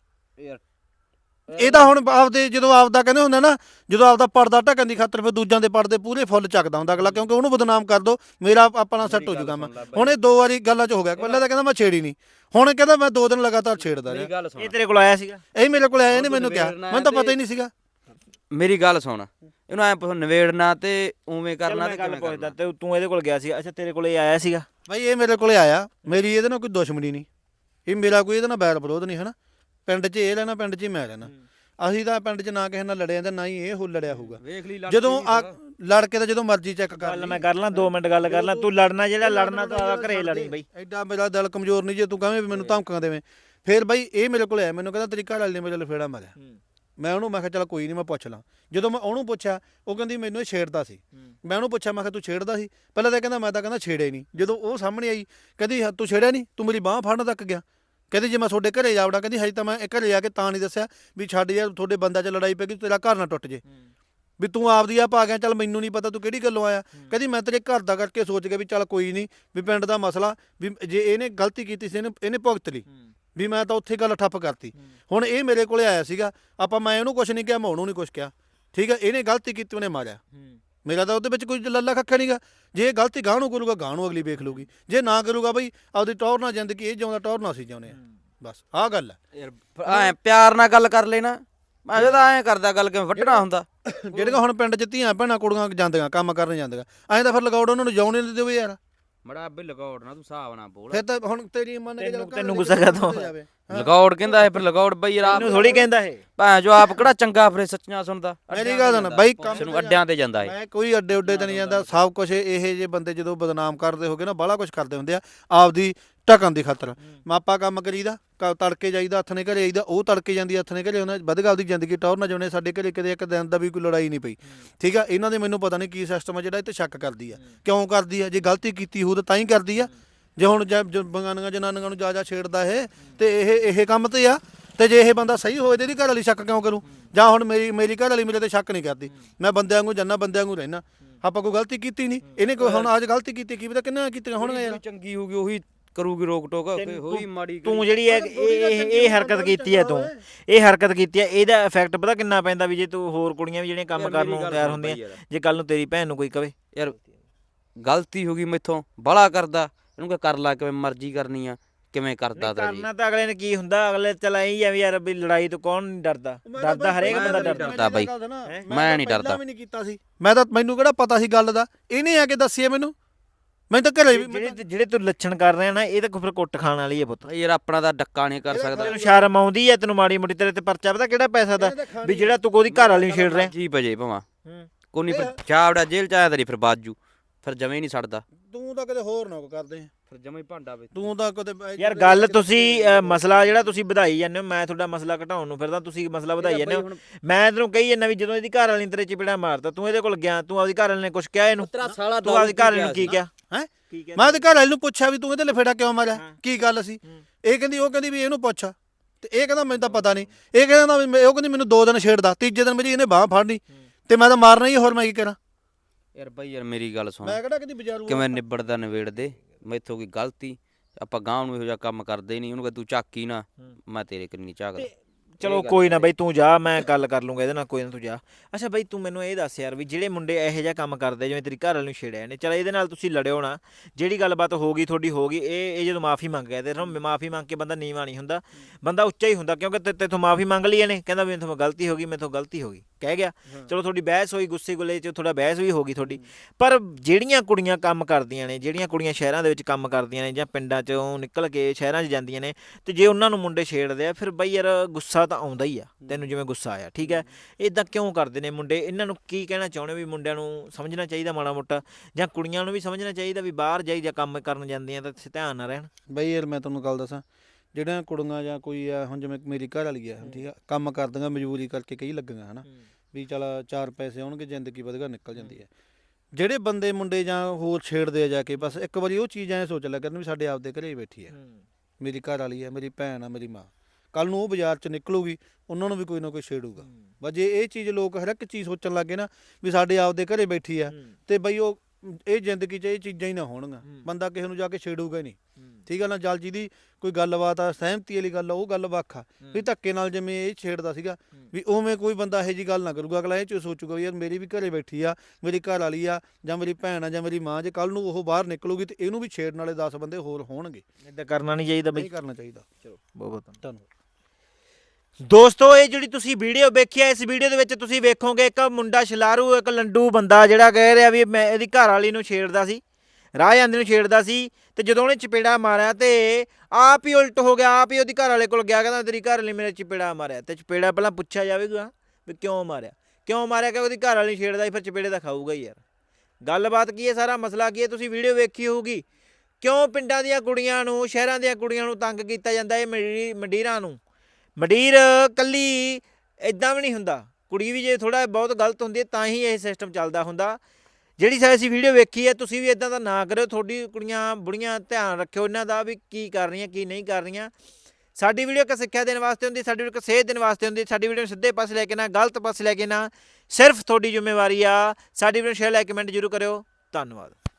Speaker 3: ਯਾਰ
Speaker 2: ਇਹ ਤਾਂ ਹੁਣ ਆਪਦੇ ਜਦੋਂ ਆਪਦਾ ਕਹਿੰਦੇ ਹੁੰਦਾ ਨਾ ਜਦੋਂ ਆਪਦਾ ਪਰਦਾ ਢੱਕਣ ਦੀ ਖਾਤਰ ਫਿਰ ਦੂਜਿਆਂ ਦੇ ਪਰਦੇ ਪੂਰੇ ਫੁੱਲ ਚੱਕਦਾ ਹੁੰਦਾ ਅਗਲਾ ਕਿਉਂਕਿ ਉਹਨੂੰ ਬਦਨਾਮ ਕਰ ਦੋ ਮੇਰਾ ਆਪਣਾ ਸੈੱਟ ਹੋ ਜੂਗਾ ਮੈਂ ਹੁਣ ਇਹ 2 ਵਾਰੀ ਗੱਲਾਂ 'ਚ ਹੋ ਗਿਆ ਪਹਿਲਾਂ ਤਾਂ ਕਹਿੰਦਾ ਮੈਂ ਛੇੜੀ ਨਹੀਂ ਹੁਣ ਕਹਿੰਦਾ ਮੈਂ 2 ਦਿਨ ਲਗਾਤਾਰ ਛੇੜਦਾ ਰਿਹਾ
Speaker 3: ਗੱਲ ਸੁਣ
Speaker 1: ਇਹ ਤੇਰੇ ਕੋਲ ਆਇਆ ਸੀਗਾ
Speaker 2: ਇਹ ਮੇਰੇ ਕੋਲ ਆਇਆ ਇਹਨੇ ਮੈਨੂੰ ਕਿਹਾ ਮੈਨੂੰ ਤਾਂ ਪਤਾ ਹੀ ਨਹੀਂ ਸੀਗਾ
Speaker 3: ਮੇਰੀ ਗੱਲ ਸੁਣ ਇਹਨੂੰ ਐ ਨਵੇੜਨਾ ਤੇ ਉਵੇਂ ਕਰਨਾ ਤੇ ਕਿਵੇਂ
Speaker 1: ਪੁੱਛਦਾ ਤੇ ਤੂੰ ਇਹਦੇ ਕੋਲ ਗਿਆ ਸੀ ਅੱਛਾ ਤੇਰੇ ਕੋਲ ਇਹ ਆਇਆ ਸੀਗਾ
Speaker 2: ਭਾਈ ਇਹ ਮੇਰੇ ਕੋਲੇ ਆਇਆ ਮੇਰੀ ਇਹਦੇ ਨਾਲ ਕੋਈ ਦੁਸ਼ਮਣੀ ਨਹੀਂ ਇਹ ਮੇਰਾ ਕੋਈ ਇਹਦੇ ਨਾਲ ਬੈਰ ਵਿਰੋਧ ਨਹੀਂ ਹਨਾ ਪਿੰਡ 'ਚ ਇਹ ਲੈਣਾ ਪਿੰਡ 'ਚ ਹੀ ਮੈਂ ਲੈਣਾ ਅਸੀਂ ਤਾਂ ਪਿੰਡ 'ਚ ਨਾ ਕਿਸੇ ਨਾਲ ਲੜਿਆ ਤੇ ਨਾ ਹੀ ਇਹ ਹੋ ਲੜਿਆ ਹੋਊਗਾ
Speaker 3: ਵੇਖ ਲਈ
Speaker 2: ਜਦੋਂ ਲੜ ਕੇ ਤਾਂ ਜਦੋਂ ਮਰਜ਼ੀ ਚੈੱਕ ਕਰ
Speaker 1: ਗੱਲ ਮੈਂ ਕਰ ਲਾਂ 2 ਮਿੰਟ ਗੱਲ ਕਰ ਲਾਂ ਤੂੰ ਲੜਨਾ ਜਿਹੜਾ ਲੜਨਾ ਤਾਂ ਘਰੇ ਲੜੀ ਬਈ
Speaker 2: ਐਡਾ ਮੇਰਾ ਦਿਲ ਕਮਜ਼ੋਰ ਨਹੀਂ ਜੇ ਤੂੰ ਕਹਵੇਂ ਵੀ ਮੈਨੂੰ ਧਮਕਾਂ ਦੇਵੇਂ ਫੇਰ ਬਾਈ ਇਹ ਮੇਰੇ ਕੋਲ ਆਇਆ ਮੈਨੂੰ ਕਹਿੰਦਾ ਤੇਰੀ ਘਰ ਵਾਲੀ ਨੇ ਮੇਰੇ ਲਫੇੜਾ ਮਾਰਿਆ ਮੈਂ ਉਹਨੂੰ ਮੈਂ ਕਿਹਾ ਚੱਲ ਕੋਈ ਨਹੀਂ ਮੈਂ ਪੁੱਛ ਲਾਂ ਜਦੋਂ ਮੈਂ ਉਹਨੂੰ ਪੁੱਛਿਆ ਉਹ ਕਹਿੰਦੀ ਮੈਨੂੰ ਇਹ ਛੇੜਦਾ ਸੀ ਮੈਂ ਉਹਨੂੰ ਪੁੱਛਿਆ ਮੈਂ ਕਿਹਾ ਤੂੰ ਛੇੜਦਾ ਸੀ ਪਹਿਲਾਂ ਤਾਂ ਕਹਿੰਦਾ ਮੈਂ ਤਾਂ ਕਹਿੰਦਾ ਛੇੜਿਆ ਨਹੀਂ ਜਦੋਂ ਉਹ ਸਾਹਮਣੇ ਆਈ ਕਹਿੰਦੀ ਤੂੰ ਛੇੜਿਆ ਨਹੀਂ ਤੂੰ ਮੇਰੀ ਬਾਂਹ ਫੜਨ ਤੱਕ ਗਿਆ ਕਹਿੰਦੀ ਜੇ ਮੈਂ ਤੁਹਾਡੇ ਘਰੇ ਜਾਵੜਾ ਕਹਿੰਦੀ ਹਜੇ ਤਾਂ ਮੈਂ ਘਰੇ ਜਾ ਕੇ ਤਾਂ ਨਹੀਂ ਦੱਸਿਆ ਵੀ ਛੱਡ ਯਾਰ ਤੁਹਾਡੇ ਬੰਦਾ 'ਚ ਲੜਾਈ ਪੈ ਗਈ ਤੇਰਾ ਘਰ ਨਾ ਟੁੱਟ ਜੇ ਵੀ ਤੂੰ ਆਪਦੀ ਆਪ ਆ ਗਿਆ ਚੱਲ ਮੈਨੂੰ ਨਹੀਂ ਪਤਾ ਤੂੰ ਕਿਹੜੀ ਗੱਲੋਂ ਆਇਆ ਕਹਿੰਦੀ ਮੈਂ ਤੇਰੇ ਘਰ ਦਾ ਕਰਕੇ ਸੋਚ ਗਿਆ ਵੀ ਚੱਲ ਕੋਈ ਨਹੀਂ ਵੀ ਪਿੰਡ ਦਾ ਮਸਲਾ ਵੀ ਜੇ ਇਹਨੇ ਗਲਤੀ ਕੀਤੀ ਸੀ ਇਹਨੇ ਭੁਗਤ ਲਈ ਵੀ ਮੈਂ ਤਾਂ ਉੱਥੇ ਗੱਲ ਠੱਪ ਕਰਤੀ ਹੁਣ ਇਹ ਮੇਰੇ ਕੋਲੇ ਆਇਆ ਸੀਗਾ ਆਪਾਂ ਮੈਂ ਉਹਨੂੰ ਕੁਛ ਨਹੀਂ ਕਿਹਾ ਮੈਂ ਉਹਨੂੰ ਨਹੀਂ ਕੁਛ ਕਿਹਾ ਠੀਕ ਹੈ ਇਹਨੇ ਗਲਤੀ ਕੀਤੀ ਉਹਨੇ ਮਾਰਿਆ ਮੇਰਾ ਤਾਂ ਉਹਦੇ ਵਿੱਚ ਕੋਈ ਲੱਲਾ ਖੱਖਾ ਨਹੀਂਗਾ ਜੇ ਇਹ ਗਲਤੀ ਗਾਹ ਨੂੰ ਕਰੂਗਾ ਗਾਹ ਨੂੰ ਅਗਲੀ ਵੇਖ ਲੂਗੀ ਜੇ ਨਾ ਕਰੂਗਾ ਬਈ ਆਪਦੀ ਟੌਰ ਨਾਲ ਜ਼ਿੰਦਗੀ ਇਹ ਜਿਉਂਦਾ ਟੌਰ ਨਾਲ ਅਸੀਂ ਜਿਉਂਦੇ ਆ ਬਸ ਆਹ ਗੱਲ ਹੈ
Speaker 3: ਯਾਰ ਐ ਪਿਆਰ ਨਾਲ ਗੱਲ ਕਰ ਲੈਣਾ ਮੈਂ ਜਦੋਂ ਐਂ ਕਰਦਾ ਗੱਲ ਕਿਵੇਂ ਵੱਢਣਾ ਹੁੰਦਾ
Speaker 2: ਜਿਹੜੀਆਂ ਹੁਣ ਪਿੰਡ 'ਚ ਧੀਆਂ ਭੈਣਾਂ ਕੁੜੀਆਂ ਜਾਂਦੀਆਂ ਕੰਮ ਕਰਨ ਜਾਂਦੀਆਂ ਐਂ ਤਾਂ ਫਿਰ ਲਗਾਉੜ ਉਹਨਾਂ ਨੂੰ ਜਾਉਣੇ ਨਹੀਂ ਦਿਓ ਯਾਰ
Speaker 3: ਮੜਾ ਬਈ ਲਗਾਉੜ ਨਾ ਤੂੰ ਹਿਸਾਬ ਨਾ ਬੋਲ
Speaker 2: ਫਿਰ ਤਾਂ ਹੁਣ ਤੇਰੀ ਮੰਨ ਕੇ
Speaker 1: ਤੈਨੂੰ ਗੁੱਸਾ ਕਰਦਾ
Speaker 3: ਲਗਾਉੜ ਕਹਿੰਦਾ ਇਹ ਫਿਰ ਲਗਾਉੜ ਬਈ ਯਾਰ ਆਪ
Speaker 1: ਥੋੜੀ ਕਹਿੰਦਾ ਇਹ
Speaker 3: ਭੈਣ ਜੋ ਆਪ ਕਿਹੜਾ ਚੰਗਾ ਫਿਰ ਸੱਚੀਆਂ ਸੁਣਦਾ
Speaker 2: ਮੇਰੀ ਗੱਲ ਸੁਣ ਬਾਈ ਕੰਮ
Speaker 3: ਨੂੰ ਅੱਡਿਆਂ ਤੇ ਜਾਂਦਾ ਏ
Speaker 2: ਮੈਂ ਕੋਈ ਅੱਡੇ ਉੱਡੇ ਤੇ ਨਹੀਂ ਜਾਂਦਾ ਸਭ ਕੁਝ ਇਹ ਜੇ ਬੰਦੇ ਜਦੋਂ ਬਦਨਾਮ ਕਰਦੇ ਹੋਗੇ ਨਾ ਬਾਹਲਾ ਕੁਝ ਕਰਦੇ ਹੁੰਦੇ ਆ ਆਪਦੀ ਢਕਣ ਦੀ ਖਾਤਰ ਮਾਪਾ ਕੰਮ ਕਰੀਦਾ ਤੜਕੇ ਜਾਈਦਾ ਹੱਥ ਨੇ ਘਰੇ ਆਈਦਾ ਉਹ ਤੜਕੇ ਜਾਂਦੀ ਹੱਥ ਨੇ ਘਰੇ ਉਹਨਾਂ ਵਧਗਾ ਆਪਦੀ ਜ਼ਿੰਦਗੀ ਟੌਰ ਨਾ ਜਿਉਣੇ ਸਾਡੇ ਘਰੇ ਕਦੇ ਇੱਕ ਦਿਨ ਦਾ ਵੀ ਕੋਈ ਲੜਾਈ ਨਹੀਂ ਪਈ ਠੀਕ ਆ ਇਹਨਾਂ ਦੇ ਮੈਨੂੰ ਪਤਾ ਨਹੀਂ ਕੀ ਸਿਸਟਮ ਆ ਜਿਹੜਾ ਇਹ ਤੇ ਸ਼ੱਕ ਕਰਦੀ ਆ ਕਿਉਂ ਕਰਦੀ ਆ ਜੇ ਗਲਤੀ ਕੀਤੀ ਹੋਊ ਤਾਂ ਹੀ ਕਰਦੀ ਆ ਜੇ ਹੁਣ ਬਗਾਨੀਆਂ ਜਨਾਨੀਆਂ ਨੂੰ ਜਾ ਛੇੜਦਾ ਇਹ ਤੇ ਇਹ ਕੰਮ ਤੇ ਆ ਤੇ ਜੇ ਇਹ ਬੰਦਾ ਸਹੀ ਹੋਵੇ ਤੇ ਇਹਦੀ ਘਰ ਵਾਲੀ ਸ਼ੱਕ ਕਿਉਂ ਕਰੂ ਜਾਂ ਹੁਣ ਮੇਰੀ ਘਰ ਵਾਲੀ ਮੇਰੇ ਤੇ ਸ਼ੱਕ ਨਹੀਂ ਕਰਦੀ ਮੈਂ ਬੰਦਿਆਂ ਵਾਂਗੂ ਜੰਨਾ ਬੰਦਿਆਂ ਵਾਂਗੂ ਰਹਿਣਾ ਆਪਾਂ ਕੋਈ ਗਲਤੀ ਕੀਤੀ ਨਹੀਂ ਇਹਨੇ ਕੋਈ ਹੁਣ ਅੱਜ ਗਲਤੀ ਕੀਤੀ ਕੀ ਪਤਾ ਕਿੰਨਾ ਕੀਤੀਆਂ ਹੋਣਗੀਆਂ ਯਾਰ
Speaker 3: ਚੰਗੀ ਹੋਊਗੀ ਉਹੀ ਕਰੂਗੀ ਰੋਕ ਟੋਕ ਹੋਈ ਮਾੜੀ
Speaker 1: ਤੂੰ ਜਿਹੜੀ ਇਹ ਹਰਕਤ ਕੀਤੀ ਹੈ ਤੂੰ ਇਹ ਹਰਕਤ ਕੀਤੀ ਹੈ ਇਹਦਾ ਇਫੈਕਟ ਪਤਾ ਕਿੰਨਾ ਪੈਂਦਾ ਵੀ ਜੇ ਤੂੰ ਹੋਰ ਕੁੜੀਆਂ ਵੀ ਜਿਹੜੀਆਂ ਕੰਮ ਕਰਨ ਨੂੰ ਤਿਆਰ ਹੁੰਦੀਆਂ ਜੇ ਕੱਲ ਨੂੰ ਤੇਰੀ ਭੈਣ ਨੂੰ ਕੋਈ ਕਵੇ
Speaker 3: ਯਾਰ ਗਲਤੀ ਹੋ ਗਈ ਮੈਥੋਂ ਬਾਹਲਾ ਕਰਦਾ ਇਹਨੂੰ ਕਿ ਕਰ ਲਾ ਕਿਵੇਂ ਮਰਜ਼ੀ ਕਰਨੀ ਆ ਕਿਵੇਂ ਕਰਦਾ ਤੇਰਾ ਜੀ
Speaker 1: ਕਰਨਾ ਤਾਂ ਅਗਲੇ ਨੇ ਕੀ ਹੁੰਦਾ ਅਗਲੇ ਚੱਲ ਐਂ ਆ ਵੀ ਯਾਰ ਵੀ ਲੜਾਈ ਤੋਂ ਕੌਣ ਨਹੀਂ ਡਰਦਾ ਡਰਦਾ ਹਰੇਕ ਬੰਦਾ ਡਰਦਾ
Speaker 3: ਬਾਈ ਮੈਂ ਨਹੀਂ ਡਰਦਾ
Speaker 2: ਵੀ ਨਹੀਂ ਕੀਤਾ ਸੀ ਮੈਂ ਤਾਂ ਮੈਨੂੰ ਕਿਹੜਾ ਪਤਾ ਸੀ ਗੱਲ ਦਾ ਇਹਨੇ ਆ ਕੇ ਦੱਸਿਆ ਮੈਨੂੰ ਤਾਂ ਘਰੇ ਵੀ
Speaker 1: ਜਿਹੜੇ ਤੂੰ ਲੱਛਣ ਕਰ ਰਿਹਾ ਨਾ ਇਹ ਤਾਂ ਫਿਰ ਕੁੱਟ ਖਾਣ ਵਾਲੀ ਹੈ ਪੁੱਤ
Speaker 3: ਯਾਰ ਆਪਣਾ ਤਾਂ ਡੱਕਾ ਨਹੀਂ ਕਰ ਸਕਦਾ
Speaker 1: ਤੈਨੂੰ ਸ਼ਰਮ ਆਉਂਦੀ ਹੈ ਤੈਨੂੰ ਮਾੜੀ ਮੋਟੀ ਤੇਰੇ ਤੇ ਪਰਚਾ ਪਤਾ ਕਿਹੜਾ ਪੈਸਾ ਦਾ ਵੀ ਜਿਹੜਾ ਤੂੰ ਉਹਦੀ ਘਰ ਵਾਲੀ ਨੂੰ ਛੇੜ ਰਿਹਾ
Speaker 3: ਜੀ ਭਜੇ ਭਵਾ ਕੋਈ ਨਹੀਂ ਫਿਰ ਜਾਵੜਾ ਜੇਲ੍ਹ ਚ ਆਇਆ ਤੇਰੀ ਫਿਰ ਬਾਜੂ ਫਿਰ ਜਮੇ ਨਹੀਂ ਛੱਡਦਾ,
Speaker 2: ਤੂੰ ਤਾਂ ਕਦੇ ਹੋਰ ਨਾ ਕਰਦੇ
Speaker 3: ਫਿਰ ਜਮੇ ਭਾਂਡਾ ਵੇ।
Speaker 2: ਤੂੰ ਤਾਂ ਕਦੇ
Speaker 1: ਯਾਰ ਗੱਲ ਤੁਸੀਂ ਮਸਲਾ ਜਿਹੜਾ ਤੁਸੀਂ ਵਧਾਈ ਜਾਂਦੇ ਹੋ, ਮੈਂ ਤੁਹਾਡਾ ਮਸਲਾ ਘਟਾਉਣ ਨੂੰ ਫਿਰਦਾ, ਤੁਸੀਂ ਮਸਲਾ ਵਧਾਈ ਜਾਂਦੇ ਹੋ। ਮੈਂ ਤੈਨੂੰ ਕਹੀ ਜਾਂਦਾ ਵੀ ਜਦੋਂ ਇਹਦੀ ਘਰ ਵਾਲੀ ਨੇ ਤੇਰੇ ਚਪੇੜਾ ਮਾਰਤਾ, ਤੂੰ ਇਹਦੇ ਕੋਲ ਗਿਆ, ਤੂੰ ਆਪਦੀ ਘਰ ਵਾਲੀ ਨੇ ਕੁਝ ਕਿਹਾ ਇਹਨੂੰ?
Speaker 3: ਤੇਰਾ ਸਾਲਾ
Speaker 1: ਤੂੰ ਆਪਦੀ ਘਰ ਵਾਲੀ ਨੂੰ ਕੀ ਕਿਹਾ?
Speaker 2: ਹੈ
Speaker 1: ਕੀ ਕਿਹਾ?
Speaker 2: ਮੈਂ ਉਹਦੇ ਘਰ ਵਾਲੇ ਨੂੰ ਪੁੱਛਿਆ ਵੀ ਤੂੰ ਇਹਦੇ ਲਫੇੜਾ ਕਿਉਂ ਮਾਰਿਆ, ਕੀ ਗੱਲ ਸੀ? ਇਹ ਕਹਿੰਦੀ ਉਹ ਕਹਿੰਦੀ ਵੀ ਇਹਨੂੰ ਪੁੱਛ, ਤੇ ਇਹ ਕਹਿੰਦਾ ਮੈਨੂੰ ਤਾਂ ਪਤਾ ਨਹੀਂ। ਇਹ ਕਹਿੰਦਾ ਉਹ ਕਹਿੰਦੀ ਮੈਨੂੰ 2 ਦਿਨ ਛੇੜਦਾ, ਤੀਜੇ ਦਿਨ ਮੇਰੀ ਇਹਨੇ ਬਾਹ ਫੜਨੀ ਤੇ ਮੈਂ ਤਾਂ ਮਾਰਨਾ ਹੀ, ਹੋਰ ਮੈਂ ਕੀ ਕਰਾਂ?
Speaker 3: ਯਾਰ ਬਾਈ ਯਾਰ ਮੇਰੀ ਗੱਲ ਸੁਣ,
Speaker 2: ਮੈਂ ਕਿਹੜਾ ਕਦੀ ਬਜ਼ਾਰੂ
Speaker 3: ਕਿਵੇਂ ਨਿਬੜਦਾ ਨਿਬੇੜ ਦੇ, ਮੈਥੋਂ ਕੋਈ ਗਲਤੀ, ਆਪਾਂ ਗਾਂਹ ਨੂੰ ਇਹੋ ਜਿਹਾ ਕੰਮ ਕਰਦੇ ਨਹੀਂ, ਉਹਨੂੰ ਕਹ ਤੂੰ ਝਾਕੀ ਨਾ, ਮੈਂ ਤੇਰੇ ਕੰਨੀ ਝਾਕਦਾ।
Speaker 1: ਚਲੋ ਕੋਈ ਨਾ ਬਈ, ਤੂੰ ਜਾ, ਮੈਂ ਗੱਲ ਕਰ ਲੂੰਗਾ ਇਹਦੇ ਨਾਲ, ਕੋਈ ਨਾ ਤੂੰ ਜਾ। ਅੱਛਾ ਬਈ ਤੂੰ ਮੈਨੂੰ ਇਹ ਦੱਸ ਯਾਰ, ਵੀ ਜਿਹੜੇ ਮੁੰਡੇ ਇਹੋ ਜਿਹਾ ਕੰਮ ਕਰਦੇ ਜਿਵੇਂ ਤੇਰੀ ਘਰ ਵਾਲੀ ਨੂੰ ਛੇੜਿਆ ਨੇ, ਚਲ ਇਹਦੇ ਨਾਲ ਤੁਸੀਂ ਲੜਿਓ ਨਾ, ਜਿਹੜੀ ਗੱਲਬਾਤ ਹੋ ਗਈ ਤੁਹਾਡੀ ਹੋ ਗਈ, ਇਹ ਜਦੋਂ ਮਾਫੀ ਮੰਗ ਗਿਆ ਤੇ ਮਾਫੀ ਮੰਗ ਕੇ ਬੰਦਾ ਨੀਵਾਂ ਨਹੀਂ ਹੁੰਦਾ, ਬੰਦਾ ਉੱਚਾ ਹੀ ਹੁੰਦਾ, ਕਿਉਂਕਿ ਤੇਥੋਂ ਮਾਫੀ ਮੰਗ ਲਈ ਇਹਨੇ, ਕਹਿੰਦਾ ਵੀ ਮੈਥੋਂ ਗਲਤੀ ਹੋ ਗਈ, ਮੈਥੋਂ ਗਲਤੀ ਹੋ ਗਈ, ਕਹਿ ਗਿਆ। ਚਲੋ ਤੁਹਾਡੀ ਬਹਿਸ ਹੋਈ, ਗੁੱਸੇ ਗੁੱਲੇ 'ਚ ਥੋੜਾ ਬਹਿਸ ਵੀ ਹੋ ਗਈ ਤੁਹਾਡੀ, ਪਰ ਜਿਹੜੀਆਂ ਕੁੜੀਆਂ ਕੰਮ ਕਰਦੀਆਂ ਨੇ, ਜਿਹੜੀਆਂ ਕੁੜੀਆਂ ਸ਼ਹਿਰਾਂ ਦੇ ਵਿੱਚ ਕੰਮ ਕਰਦੀਆਂ ਨੇ ਜਾਂ ਪਿੰਡਾਂ 'ਚੋਂ ਨਿਕਲ ਕੇ ਸ਼ਹਿਰਾਂ 'ਚ ਜਾਂਦੀਆਂ ਨੇ, ਤੇ ਜੇ ਉਹਨਾਂ ਨੂੰ ਮੁੰਡੇ ਛੇੜਦੇ ਆ, ਫਿਰ ਬਈ ਯਾਰ ਗੁੱਸਾ ਤਾਂ ਆਉਂਦਾ ਹੀ ਆ, ਤੈਨੂੰ ਜਿਵੇਂ ਗੁੱਸਾ ਆਇਆ, ਠੀਕ ਹੈ। ਇਦਾਂ ਕਿਉਂ ਕਰਦੇ ਨੇ ਮੁੰਡੇ? ਇਹਨਾਂ ਨੂੰ ਕੀ ਕਹਿਣਾ ਚਾਹੁੰਦੇ ਵੀ ਮੁੰਡਿਆਂ ਨੂੰ ਸਮਝਣਾ ਚਾਹੀਦਾ ਮਾੜਾ ਮੋਟਾ, ਜਾਂ ਕੁੜੀਆਂ ਨੂੰ ਵੀ ਸਮਝਣਾ ਚਾਹੀਦਾ ਵੀ ਬਾਹਰ ਜਾਈ ਜਾਂ ਕੰਮ ਕਰਨ ਜਾਂਦੀਆਂ ਤਾਂ ਧਿਆਨ ਨਾਲ ਰਹਿਣ?
Speaker 2: ਬਈ ਯਾਰ ਮੈਂ ਤੁਹਾਨੂੰ ਗੱਲ ਦੱਸਾਂ, ਜਿਹੜੀਆਂ ਕੁੜੀਆਂ ਜਾਂ ਕੋਈ ਆ, ਹੁਣ ਜਿਵੇਂ ਮੇਰੀ ਘਰ ਵਾਲੀ ਆ, ਠੀਕ ਆ, ਕੰਮ ਕਰਦੀਆਂ ਮਜਬੂਰੀ ਕਰਕੇ ਕਈ ਲੱਗੀਆਂ ਹਨਾ, ਵੀ ਚੱਲ 4 ਪੈਸੇ ਆਉਣਗੇ, ਜ਼ਿੰਦਗੀ ਵਧੀਆ ਨਿਕਲ ਜਾਂਦੀ ਹੈ। ਜਿਹੜੇ ਬੰਦੇ ਮੁੰਡੇ ਜਾਂ ਹੋਰ ਛੇੜਦੇ ਆ ਜਾ ਕੇ, ਬਸ ਇੱਕ ਵਾਰੀ ਉਹ ਚੀਜ਼ ਐਂ ਸੋਚ ਲਿਆ ਕਰਨ ਵੀ ਸਾਡੇ ਆਪਦੇ ਘਰੇ ਬੈਠੀ ਆ, ਮੇਰੀ ਘਰ ਵਾਲੀ ਆ, ਮੇਰੀ ਭੈਣ ਆ, ਮੇਰੀ ਮਾਂ, ਕੱਲ ਨੂੰ ਉਹ ਬਾਜ਼ਾਰ 'ਚ ਨਿਕਲੂਗੀ, ਉਹਨਾਂ ਨੂੰ ਵੀ ਕੋਈ ਨਾ ਕੋਈ ਛੇੜੂਗਾ। ਬਸ ਜੇ ਇਹ ਚੀਜ਼ ਲੋਕ ਹਰ ਇੱਕ ਚੀਜ਼ ਸੋਚਣ ਲੱਗੇ ਨਾ ਵੀ ਸਾਡੇ ਆਪਦੇ ਘਰੇ ਬੈਠੀ ਆ, ਤੇ ਬਈ ਉਹ ਇਹ ਜ਼ਿੰਦਗੀ 'ਚ ਇਹ ਚੀਜ਼ਾਂ ਹੀ ਨਾ ਹੋਣਗੀਆਂ, ਬੰਦਾ ਕਿਸੇ ਨੂੰ ਜਾ ਕੇ ਛੇੜੂਗਾ ਹੀ ਨਹੀਂ, ਠੀਕ ਆ ਨਾ। ਜਲ ਜਿਹਦੀ ਕੋਈ ਗੱਲਬਾਤ ਆ, ਸਹਿਮਤੀ ਵਾਲੀ ਗੱਲ ਆ, ਉਹ ਗੱਲ ਵੱਖ ਆ, ਵੀ ਧੱਕੇ ਨਾਲ ਜਿਵੇਂ ਇਹ ਛੇੜਦਾ ਸੀਗਾ, ਵੀ ਉਵੇਂ ਕੋਈ ਬੰਦਾ ਇਹੋ ਜਿਹੀ ਗੱਲ ਨਾ ਕਰੂਗਾ। ਅਗਲਾ ਇਹ 'ਚ ਸੋਚੂਗਾ ਵੀ ਯਾਰ ਮੇਰੀ ਵੀ ਘਰੇ ਬੈਠੀ ਆ, ਮੇਰੀ ਘਰ ਵਾਲੀ ਆ, ਜਾਂ ਮੇਰੀ ਭੈਣ ਆ, ਜਾਂ ਮੇਰੀ ਮਾਂ, ਜੇ ਕੱਲ ਨੂੰ ਉਹ ਬਾਹਰ ਨਿਕਲੂਗੀ ਤੇ ਇਹਨੂੰ ਵੀ ਛੇੜਨ ਵਾਲੇ 10 ਬੰਦੇ ਹੋਰ ਹੋਣਗੇ।
Speaker 1: ਇਦਾਂ ਕਰਨਾ ਨਹੀਂ ਚਾਹੀਦਾ ਬਈ,
Speaker 2: ਨਹੀਂ ਕਰਨਾ ਚਾਹੀਦਾ।
Speaker 1: ਚਲੋ ਬਹੁਤ
Speaker 2: ਧੰਨਵਾਦ
Speaker 1: ਦੋਸਤੋ। ਇਹ ਜਿਹੜੀ ਤੁਸੀਂ ਵੀਡੀਓ ਵੇਖੀ ਹੈ, ਇਸ ਵੀਡੀਓ ਦੇ ਵਿੱਚ ਤੁਸੀਂ ਵੇਖੋਗੇ ਇੱਕ ਮੁੰਡਾ ਛਲਾਰੂ, ਇੱਕ ਲੰਡੂ ਬੰਦਾ ਜਿਹੜਾ ਕਹਿ ਰਿਹਾ ਵੀ ਮੈਂ ਇਹਦੀ ਘਰ ਵਾਲੀ ਨੂੰ ਛੇੜਦਾ ਸੀ, ਰਾਹ ਜਾਂਦੀ ਨੂੰ ਛੇੜਦਾ ਸੀ, ਤੇ ਜਦੋਂ ਉਹਨੇ ਚਪੇੜਾ ਮਾਰਿਆ ਤੇ ਆਪ ਹੀ ਉਲਟ ਹੋ ਗਿਆ, ਆਪ ਹੀ ਉਹਦੀ ਘਰ ਵਾਲੇ ਕੋਲ ਗਿਆ, ਕਹਿੰਦਾ ਤੇਰੀ ਘਰ ਵਾਲੀ ਮੇਰੇ ਚਪੇੜਾ ਮਾਰਿਆ। ਤੇ ਚਪੇੜਾ ਪਹਿਲਾਂ ਪੁੱਛਿਆ ਜਾਵੇਗਾ ਵੀ ਕਿਉਂ ਮਾਰਿਆ, ਕਿ ਉਹਦੀ ਘਰ ਵਾਲੀ ਛੇੜਦਾ ਸੀ, ਫਿਰ ਚਪੇੜੇ ਤਾਂ ਖਾਊਗਾ ਹੀ ਯਾਰ। ਗੱਲਬਾਤ ਕੀ ਹੈ, ਸਾਰਾ ਮਸਲਾ ਕੀ ਹੈ, ਤੁਸੀਂ ਵੀਡੀਓ ਵੇਖੀ ਹੋਊਗੀ। ਕਿਉਂ ਪਿੰਡਾਂ ਦੀਆਂ ਕੁੜੀਆਂ ਨੂੰ, ਸ਼ਹਿਰਾਂ ਦੀਆਂ ਕੁੜੀਆਂ ਨੂੰ ਤੰਗ ਕੀਤਾ ਜਾਂਦਾ? ਇਹ ਮੰਡੀਰਾਂ ਨੂੰ, ਮੰਡੀਰ ਕੱਲੀ ਇੱਦਾਂ ਵੀ ਨਹੀਂ ਹੁੰਦਾ, ਕੁੜੀ ਵੀ ਜੇ ਥੋੜ੍ਹਾ ਬਹੁਤ ਗਲਤ ਹੁੰਦੀ ਹੈ ਤਾਂ ਹੀ ਇਹ ਸਿਸਟਮ ਚੱਲਦਾ ਹੁੰਦਾ। ਜਿਹੜੀ ਅਸੀਂ ਵੀਡੀਓ ਵੇਖੀ ਹੈ, ਤੁਸੀਂ ਵੀ ਇੱਦਾਂ ਦਾ ਨਾ ਕਰਿਓ। ਤੁਹਾਡੀ ਕੁੜੀਆਂ ਬੁੜੀਆਂ ਧਿਆਨ ਰੱਖਿਓ ਇਹਨਾਂ ਦਾ ਵੀ ਕੀ ਕਰ ਰਹੀਆਂ ਕੀ ਨਹੀਂ ਕਰ ਰਹੀਆਂ। ਸਾਡੀ ਵੀਡੀਓ ਇੱਕ ਸਿੱਖਿਆ ਦੇਣ ਵਾਸਤੇ ਹੁੰਦੀ, ਸਾਡੀ ਵੀਡੀਓ ਇੱਕ ਸੇਧ ਦੇਣ ਵਾਸਤੇ ਹੁੰਦੀ। ਸਾਡੀ ਵੀਡੀਓ ਨੂੰ ਸਿੱਧੇ ਪਾਸੇ ਲੈ ਕੇ ਨਾ ਗਲਤ ਪਾਸੇ ਲੈ ਕੇ ਨਾ, ਸਿਰਫ ਤੁਹਾਡੀ ਜ਼ਿੰਮੇਵਾਰੀ ਆ। ਸਾਡੀ ਵੀਡੀਓ ਨੂੰ ਸ਼ੇਅਰ ਲਾਈਕ ਕਮੈਂਟ ਜ਼ਰੂਰ ਕਰਿਓ। ਧੰਨਵਾਦ।